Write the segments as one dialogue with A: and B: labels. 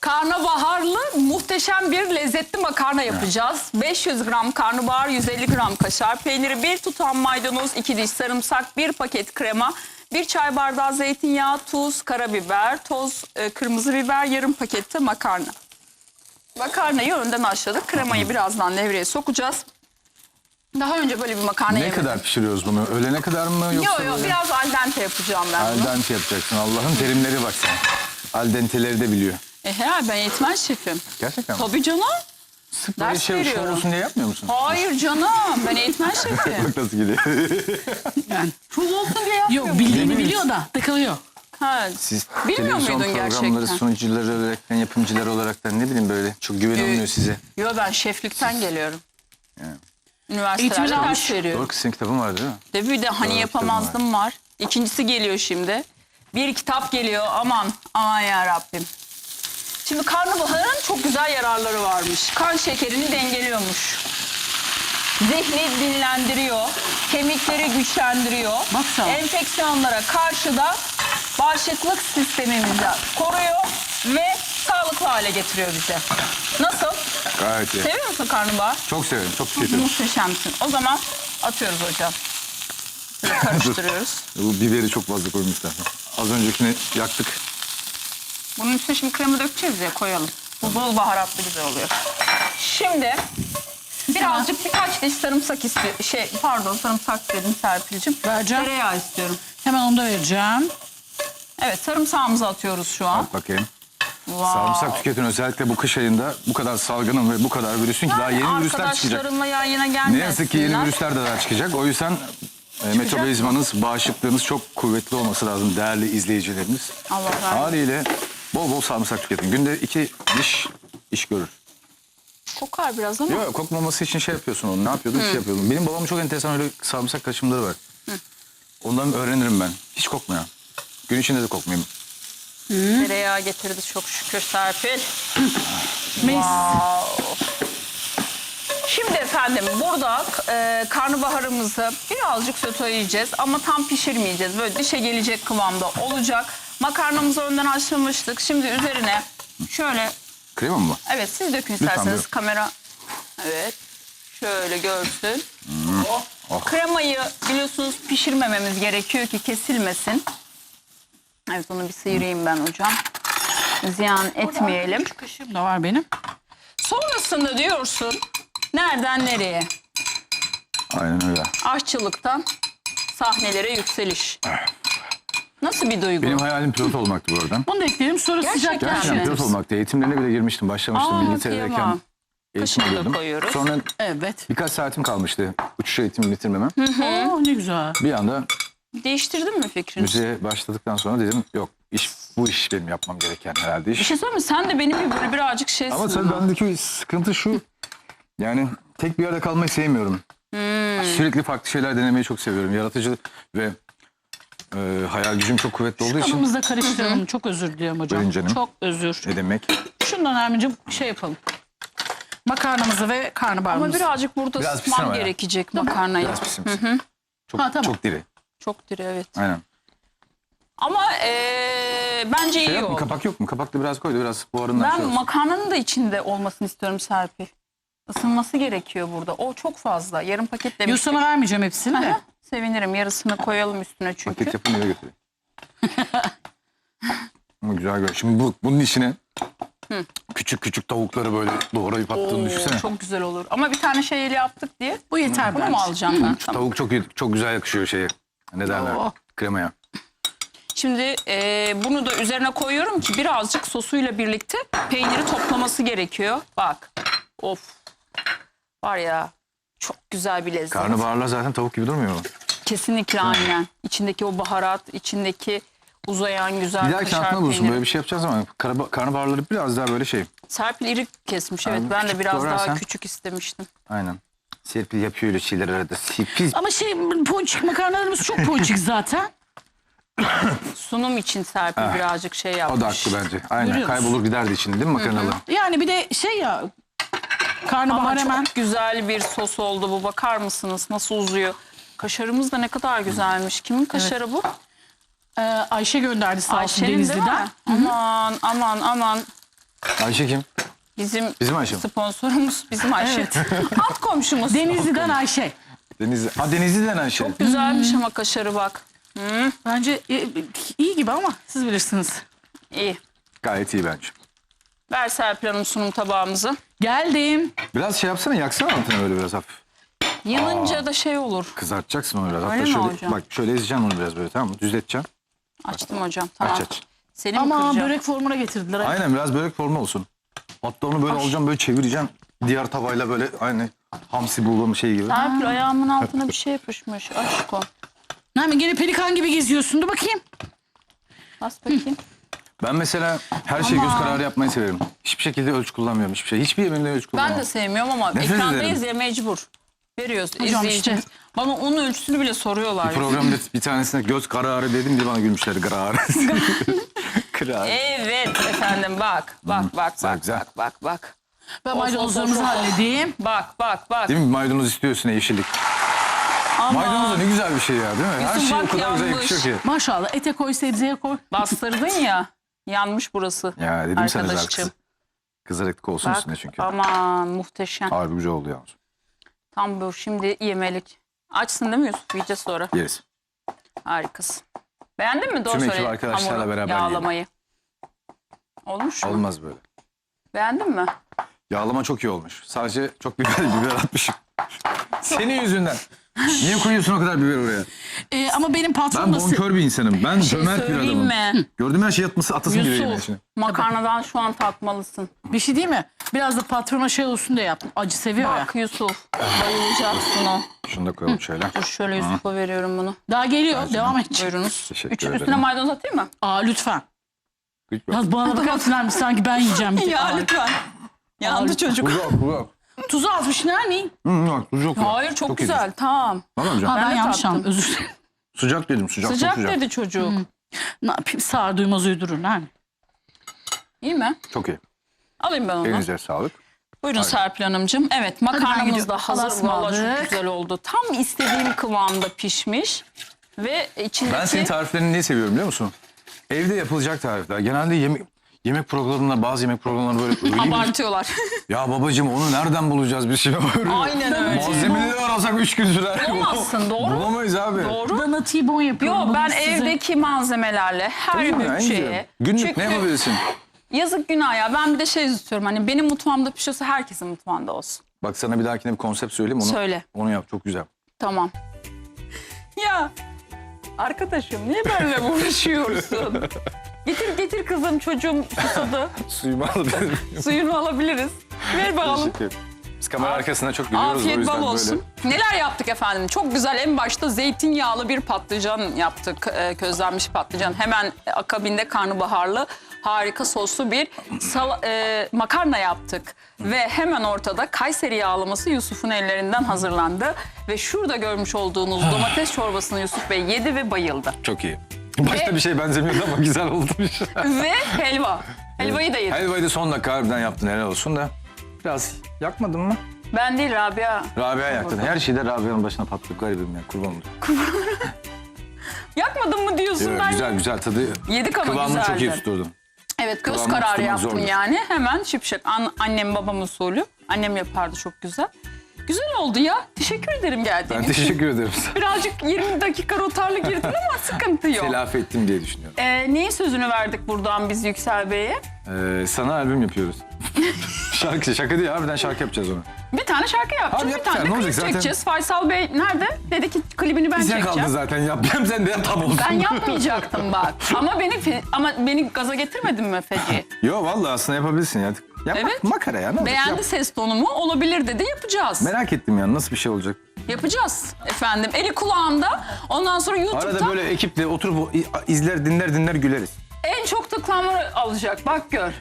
A: Karnabaharlı muhteşem bir lezzetli makarna yapacağız. 500 gram karnabahar, 150 gram kaşar peyniri, 1 tutam maydanoz, 2 diş sarımsak, 1 paket krema, 1 çay bardağı zeytinyağı, tuz, karabiber, toz, kırmızı biber, yarım pakette makarna. Makarnayı önden haşladık. Kremayı birazdan devreye sokacağız. Daha önce böyle bir makarna
B: Ne
A: yemedim.
B: kadar pişiriyoruz bunu? Ölene kadar mı yoksa?
A: Yok biraz al dente yapacağım ben bunu.
B: Al dente yapacaksın. Allah'ın terimleri bak sen. Al denteleri de biliyor.
A: Ben eğitmen şefim.
B: Gerçekten mi?
A: Tabii canım.
B: Sırf böyle
A: ders
B: şey
A: veriyorum.
B: olsun diye yapmıyor musun?
A: Hayır canım. Ben eğitmen şefim.
B: Bak nasıl gidiyor.
C: Yani.
A: Şov olsun diye yapmıyorum.
C: Yok bildiğini biliyor da takılıyor.
A: Ha,
B: Siz
A: bilmiyor
B: televizyon
A: muydun
B: programları
A: gerçekten?
B: sunucuları olaraktan, yapımcıları olaraktan ne bileyim böyle çok güven olmuyor size.
A: Yo ben şeflikten geliyorum.
B: Yani.
A: Üniversitelerde
C: Eğitimini
A: ders
C: almış.
A: veriyorum.
B: Doğru kız senin kitabın var değil mi?
A: Tabii bir de hani
B: Doğru,
A: yapamazdım var. İkincisi geliyor şimdi. Bir kitap geliyor aman ya Rabbim. Şimdi karnabaharın çok güzel yararları varmış. Kan şekerini dengeliyormuş. Zihni dinlendiriyor. Kemikleri güçlendiriyor.
C: Baksana.
A: Enfeksiyonlara karşı da bağışıklık sistemimizi koruyor ve sağlıklı hale getiriyor bizi. Nasıl?
B: Gayet iyi.
A: Seviyor musun karnabahar?
B: Çok severim, çok tüketirim.
A: Muhteşemsin. O zaman atıyoruz hocam. Böyle karıştırıyoruz.
B: Bu biberi çok fazla koymuşlar. Az öncekini yaktık.
A: Bunun üstüne şimdi krema dökeceğiz ya koyalım. Bu bol baharatlı güzel oluyor. Şimdi birazcık birkaç diş sarımsak istiyorum. Sarımsak dedim Serpil'cim.
C: Vereceğim.
A: Tereyağı istiyorum.
C: Hemen onu da vereceğim.
A: Evet sarımsağımızı atıyoruz şu an.
B: Bak bakayım.
A: Wow.
B: Sarımsak tüketin özellikle bu kış ayında bu kadar salgının ve bu kadar virüsün ki daha yeni virüsler çıkacak.
A: Arkadaşlarımla yan yana
B: Ne
A: gelmesinler.
B: yazık ki yeni virüsler de daha çıkacak. O yüzden metabolizmanız, bağışıklığınız çok kuvvetli olması lazım değerli izleyicilerimiz.
A: Allah razı olsun.
B: Haliyle bol bol sarımsak tüketin. Günde 2 diş iş görür.
A: Kokar biraz ama.
B: Yok kokmaması için şey yapıyorsun onu. Ne yapıyordun? Şey yapıyordum. Benim babamın çok enteresan öyle sarımsak karışımları var. Ondan öğrenirim ben. Hiç kokmuyor. Gün içinde de kokmayayım.
A: Tereyağı getirdi çok şükür Serpil.
C: Mis.
A: Wow. Şimdi efendim burada karnabaharımızı birazcık söteleyeceğiz ama tam pişirmeyeceğiz. Böyle dişe gelecek kıvamda olacak. Makarnamızı önden haşlamıştık. Şimdi üzerine şöyle,
B: Krema mı bu?
A: evet siz dökün
B: Lütfen
A: isterseniz
B: buyurun.
A: kamera. Evet şöyle görsün.
B: Oh.
A: Kremayı biliyorsunuz pişirmememiz gerekiyor ki kesilmesin. Evet onu bir sıyırayım ben hocam. Ziyan etmeyelim.
C: Küçük kaşığım da var benim.
A: Sonrasında diyorsun nereden nereye?
B: Aynen öyle.
A: Aşçılıktan sahnelere yükseliş. Nasıl bir duygu?
B: Benim hayalim pilot olmaktı bu arada.
C: Bunu da ekleyelim sonra
A: Gerçekten
C: sıcak
B: Gerçekten
A: mi?
B: pilot olmaktı. Eğitimlerine bile girmiştim. Başlamıştım İngiltere'deyken.
A: kıyamam.
B: Eğitim
A: Kaşığı da
B: alıyordum.
A: koyuyoruz.
B: Sonra
C: Evet.
B: birkaç saatim kalmıştı uçuş eğitimi bitirmeme.
C: Oh ne güzel.
B: Bir anda
A: Değiştirdin mi fikrini?
B: müziğe başladıktan sonra dedim yok bu iş benim yapmam gereken herhalde
A: Bir
B: iş.
A: şey söyleyeyim mi? Sen de benim gibi böyle birazcık şeysin.
B: Ama tabii bendeki sıkıntı şu. Yani tek bir yerde kalmayı sevmiyorum. Sürekli farklı şeyler denemeyi çok seviyorum. Yaratıcı ve hayal gücüm çok kuvvetli olduğu için.
C: Kanımızda karıştıralım. Çok özür diliyorum hocam.
B: Buyurun canım.
C: Çok özür.
B: Ne demek?
C: Şundan Ermin'cim şey yapalım. Makarnamızı ve
A: Ama
C: karnabaharımızı.
A: birazcık burada
B: Biraz
A: ısıtmam
B: pişsin ama ya.
A: gerekecek makarnayı.
B: Biraz pişsin. Pişsin. Çok,
C: Ha, tamam.
B: çok diri.
A: Çok diri evet.
B: Aynen.
A: Ama bence
B: Şey
A: iyi
B: yok mu?
A: oldu.
B: Kapak yok mu? Kapaklı biraz koydu. Biraz buharından
A: Ben
B: şey olsun.
A: makarnanın da içinde olmasını istiyorum Serpil. Isınması gerekiyor burada. O çok fazla. Yarım paket
C: Yok
A: demiştik.
C: sana vermeyeceğim hepsini de.
A: Aha, sevinirim. Yarısını koyalım üstüne çünkü.
B: Paket yapın eve götüreyim. Ama güzel görünüyor. Şimdi bunun içine küçük küçük tavukları böyle doğrayıp attığını düşünsene.
A: Çok güzel olur. Ama bir tane şeyle yaptık diye.
C: Bu yeter
A: Bunu
C: bence.
A: mu alacağım ben? Tamam.
B: Tavuk çok güzel yakışıyor şeye. Ne derler?
C: Oo.
B: Kremaya.
A: Şimdi bunu da üzerine koyuyorum ki birazcık sosuyla birlikte peyniri toplaması gerekiyor. Bak. Of. Var ya çok güzel bir lezzet.
B: Karnabaharlar zaten tavuk gibi durmuyor mu?
A: Kesinlikle aynen. İçindeki o baharat, içindeki uzayan güzel
B: Bir dahaki
A: kaşar
B: aklına bulursun.
A: peyniri.
B: Böyle bir şey yapacağız ama karnabaharları biraz daha böyle şey.
A: Serpil iri kesmiş. Evet
B: Yani
A: ben de
B: küçük
A: biraz daha
B: doğrarsan-
A: küçük istemiştim.
B: Aynen. Serpil yapıyor öyle şeyler arada. Serpil.
C: Ama ponçik makarnalarımız çok ponçik zaten.
A: Sunum için Serpil birazcık şey yapmış.
B: O da haklı bence. Aynen.
C: Görüyor musun?
B: Kaybolur giderdi içinde değil mi makarnalı?
C: Yani bir de şey ya karnabahar
A: Ama
C: hemen
A: çok güzel bir sos oldu bu. Bakar mısınız nasıl uzuyor? Kaşarımız da ne kadar güzelmiş. Kimin kaşarı bu?
C: Ayşe gönderdi sağ olsun
A: Ayşe'nin değil mi?
C: Denizli'den.
A: Aman aman aman.
B: Ayşe kim?
A: Bizim
B: Ayşem.
A: sponsorumuz bizim Ayşe. Alt komşumuz.
C: Denizli'den Ayşe.
B: Denizli'den Ayşe.
A: Güzelmiş ama kaşarı bak.
C: Bence iyi gibi ama siz bilirsiniz.
A: İyi.
B: Gayet iyi bence.
A: Ver Serpil Hanım sunum tabağımızı.
C: Geldim.
B: Biraz şey yapsana, yaksana altına böyle biraz hafif.
A: Yanınca da şey olur.
B: Kızartacaksın onu biraz.
A: Öyle
B: Hatta
A: mi
B: şöyle,
A: hocam?
B: bak şöyle ezeceksin onu biraz böyle, tamam mı? Düzleteceksin.
A: Açtım hocam. Tamam.
B: Aç.
A: Seni mi
C: Ama
A: kıracağım?
C: börek formuna getirdiler.
B: Aynen, biraz börek formu olsun. Hatta onu böyle alacaksın, böyle çevireceksin. Diğer tavayla böyle aynı hamsi bulduğum şey gibi.
A: Serpil ayağımın altına bir şey yapışmış. Aşko.
C: Nermin gene pelikan gibi geziyorsun. Dur bakayım.
A: Bas bakayım.
B: Ben mesela her şeyi göz kararı yapmayı severim. Hiçbir şekilde ölçü kullanmıyorum. Hiçbir şey. Hiçbir yemeğimde ölçü kullanmam.
A: Ben de sevmiyorum ama
B: Nefret
A: ekrandayız
B: ederim.
A: ya mecbur. Veriyoruz
C: Hocam
A: izleyicimiz.
C: işte.
A: Bana onun ölçüsünü bile soruyorlar.
B: Bir programda bir tanesine göz kararı dedim diye bana gülmüşler. Kararı. Kararı.
A: Evet efendim bak. Bak.
B: güzel.
A: Bak.
C: Ben
A: Of,
C: maydanozlarımızı
A: of, of.
C: halledeyim.
A: Bak.
B: Değil mi? Maydanoz istiyorsun, yeşillik. Maydanoz da ne güzel bir şey ya, değil mi? Her
A: Yusuf
B: şey o
A: bak,
B: kadar güzel
A: yanmış.
B: yakışıyor ki.
C: Maşallah ete koy, sebzeye koy.
A: Bastırdın ya. Yanmış burası.
B: Ya dedim sana
A: Arkadaşçım.
B: zaten. Kızarıklık olsun
A: Bak
B: üstüne çünkü.
A: aman muhteşem.
B: Harbi güzel oldu yalnız.
A: Tam bu şimdi yemelik. Açsın değil mi Yusuf? Yiyeceğiz sonra.
B: Yeriz.
A: Harikasın. Beğendin mi? Doğru
B: Tüm ekip
A: söyle.
B: arkadaşlarla
A: Hamuru,
B: beraber
A: yağlamayı. Olmuş mu?
B: Olmaz böyle.
A: Beğendin mi?
B: Yağlama çok iyi olmuş. Sadece çok biber atmışım. Senin yüzünden. Niye koyuyorsun o kadar biber oraya?
C: Ama benim patron
B: Ben
C: da...
B: bonkör bir insanım. Ben
A: şey
B: cömert bir
A: söyleyeyim
B: adamım.
A: mi?
B: Gördüğüm her şeyi atması, atasım gibi yemeğin
A: Yusuf
B: içine.
A: makarnadan şu an tatmalısın.
C: Bir şey değil mi? Biraz da patrona şey olsun diye yaptım. Acı seviyor ya.
A: Bak Yusuf bayılacaksın o.
B: Şunu da koyalım şöyle.
A: Dur şöyle Yusuf'a veriyorum bunu.
C: Daha geliyor. Devam edeceğim.
A: Buyurunuz.
B: Teşekkür ederim.
A: Üstüne maydanoz atayım mı?
C: Lütfen.
B: Lütfen.
C: Yaz bana bakar mısın Nermin? Sanki ben yiyeceğim. Bir tek.
A: Ya lütfen. Yandı çocuk.
B: Güzel.
C: Tuzu azmış Nermin.
B: Yok, tuz yok.
A: Hayır çok güzel tamam.
B: Tamam hocam.
C: Ben
A: de
C: yanlış
A: tattım.
C: anladım. Özür dilerim.
B: Sıcak dedim, sıcak.
A: Sıcak
B: çok sıcak.
A: dedi çocuk.
C: Ne yapayım? Sağır duymaz uydurur Nermin.
A: İyi mi?
B: Çok iyi.
A: Alayım ben onu.
B: Elinize sağlık.
A: Buyurun Serpil Hanımcığım. Evet
C: ben
A: makarnamız
C: gidiyorum.
A: da hazır.
C: Allah'a
A: Vallahi çok
C: ısmarladık.
A: güzel oldu. Tam istediğim kıvamda pişmiş. Ve içindeki...
B: Ben senin tariflerini niye seviyorum biliyor musun? Evde yapılacak tarifler. Genelde yemek programlarında, bazı yemek programlarında böyle öyle bir-
A: Abartıyorlar.
B: Ya babacığım onu nereden bulacağız bir şey var.
A: Aynen öyle.
B: Malzemeleri arasak 3 gün sürer.
A: Bulamazsın, doğru.
B: Bulamayız abi.
A: Doğru.
C: Dana T-bone yapıyorum.
A: Yo
C: Bugün
A: ben
C: size.
A: evdeki malzemelerle her
B: Değil mi? En
A: bütçeye.
B: güzel. Günlük
A: Çünkü
B: ne yapabilirsin?
A: yazık günah ya. Ben bir de şey istiyorum. Hani benim mutfağımda pişiyorsa herkesin mutfağında olsun.
B: Bak sana bir dahakine bir konsept söyleyeyim. Onu,
A: Söyle.
B: Onu yap, çok güzel.
A: Tamam. Ya arkadaşım niye böyle uğraşıyorsun? Getir kızım çocuğum susadı.
B: Suyumu alabilir miyim?
A: Suyunu alabiliriz. Ver bakalım.
B: Teşekkür ederim. Biz kamera arkasında çok gülüyoruz. o
A: Afiyet
B: yüzden
A: bal olsun. Neler yaptık efendim? Çok güzel en başta zeytinyağlı bir patlıcan yaptık. Közlenmiş patlıcan. Hemen akabinde karnabaharlı harika soslu bir makarna yaptık. Ve hemen ortada Kayseri yağlaması Yusuf'un ellerinden hazırlandı. Ve şurada görmüş olduğunuz domates çorbasını Yusuf Bey yedi ve bayıldı.
B: Çok iyi. Başta bir şey benzemiyordu ama güzel oldu.
A: Ve helva. Helvayı da yedi.
B: Helvayı da son dakika harbiden yaptın, helal olsun da. Biraz yakmadın mı?
A: Ben değil Rabia.
B: Rabia yaktın. Her şeyde Rabia'nın başına patladık, garibim ya, kurban olayım.
A: Yakmadın mı diyorsun ben?
B: Güzel tadı.
A: Yedik ama
B: Kıvamını çok iyi
A: güzeldi.
B: tutturdun.
A: Evet göz
B: Kıvamını
A: kararı
B: tutturmak
A: yaptım
B: zordur.
A: yani. Hemen şıpşak. Annem babam usulü. Annem yapardı çok güzel. Güzel oldu ya. Teşekkür ederim
B: Ben
A: geldiğiniz için.
B: teşekkür ederim.
A: Birazcık 20 dakika rotarlı girdin ama sıkıntı yok.
B: Telafi ettim diye düşünüyorum.
A: Neyin sözünü verdik buradan biz Yüksel Bey'e?
B: Sana albüm yapıyoruz. Şaka değil, harbiden şarkı yapacağız onu.
A: Bir tane şarkı yapacağız.
B: Abi
A: Bir
B: yapacağız,
A: tane de
B: ne
A: klip
B: olacak zaten?
A: çekeceğiz. Faysal Bey nerede? Dedi ki klibini ben
B: Bize kaldı
A: çekeceğim.
B: zaten, yapacağım sen de yap, tam olsun.
A: Ben yapmayacaktım bak. ama beni gaza getirmedin mi Feci?
B: Yo vallahi aslında yapabilirsin ya.
A: Evet.
B: Makara ya, ne olacak?
A: Beğendi
B: Yap.
A: ses tonumu olabilir dedi yapacağız.
B: Merak ettim ya, nasıl bir şey olacak.
A: Yapacağız efendim. Eli kulağında. Ondan sonra YouTube'da
B: Arada böyle ekiple oturup izler, dinler güleriz.
A: en çok tıklanma alacak. Bak gör.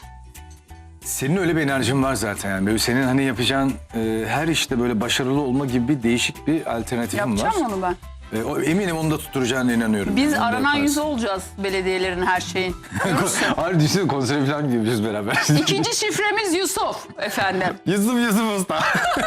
B: Senin öyle bir enerjin var zaten yani. Böyle senin hani yapacağın her işte böyle başarılı olma gibi bir değişik bir alternatifin var.
A: Yapacağım onu ben.
B: Eminim onu da tutturacağına inanıyorum.
A: Biz
B: Yani. Onu da
A: aranan
B: yaparsın.
A: yüzü olacağız belediyelerin her şeyin.
B: Hayır düşünsene, konsere falan gidiyoruz beraber.
A: İkinci şifremiz Yusuf efendim.
B: Yusuf Usta.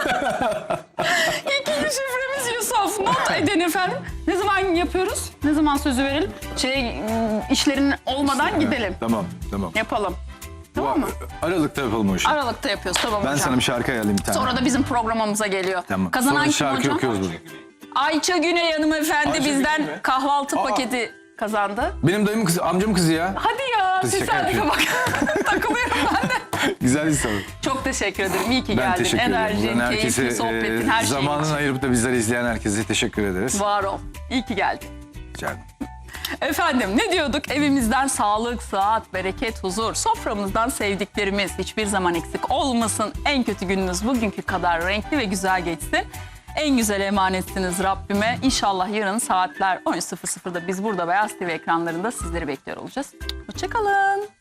A: İkinci şifremiz Yusuf. Not edin efendim. Ne zaman yapıyoruz? Ne zaman sözü verelim? İşlerin olmadan gidelim.
B: Tamam.
A: Yapalım. Tamam mı?
B: Aralıkta yapalım o işi.
A: Aralıkta yapıyoruz, tamam
B: Ben
A: hocam.
B: sana bir şarkı ayarlayayım bir tane.
A: Sonra da bizim programımıza geliyor.
B: Tamam.
A: Kazanan
B: Sonra
A: kim
B: şarkı
A: hocam?
B: okuyoruz burada.
A: Ayça Güney hanımefendi
B: Ayça
A: bizden
B: Güney mi?
A: kahvaltı paketi kazandı.
B: Benim dayımın kızı, amcamın kızı ya.
A: Hadi ya,
B: Kız şaka
A: tesadüfe bak. Takılıyorum ben de.
B: Güzel bir soru.
A: Çok teşekkür ederim. İyi ki
B: Ben
A: geldin.
B: teşekkür ederim.
A: Enerjin,
B: Buradan
A: keyifli sohbetin, her şeyin
B: zamanını
A: için.
B: ayırıp da bizleri izleyen herkese teşekkür ederiz.
A: Var ol. İyi ki geldin.
B: Rica ederim.
A: Efendim ne diyorduk? Evimizden sağlık, sıhhat, bereket, huzur, soframızdan sevdiklerimiz hiçbir zaman eksik olmasın. En kötü gününüz bugünkü kadar renkli ve güzel geçsin. En güzel emanetsiniz Rabbime. İnşallah yarın saatler 13.00'da biz burada Beyaz TV ekranlarında sizleri bekliyor olacağız. Hoşça kalın.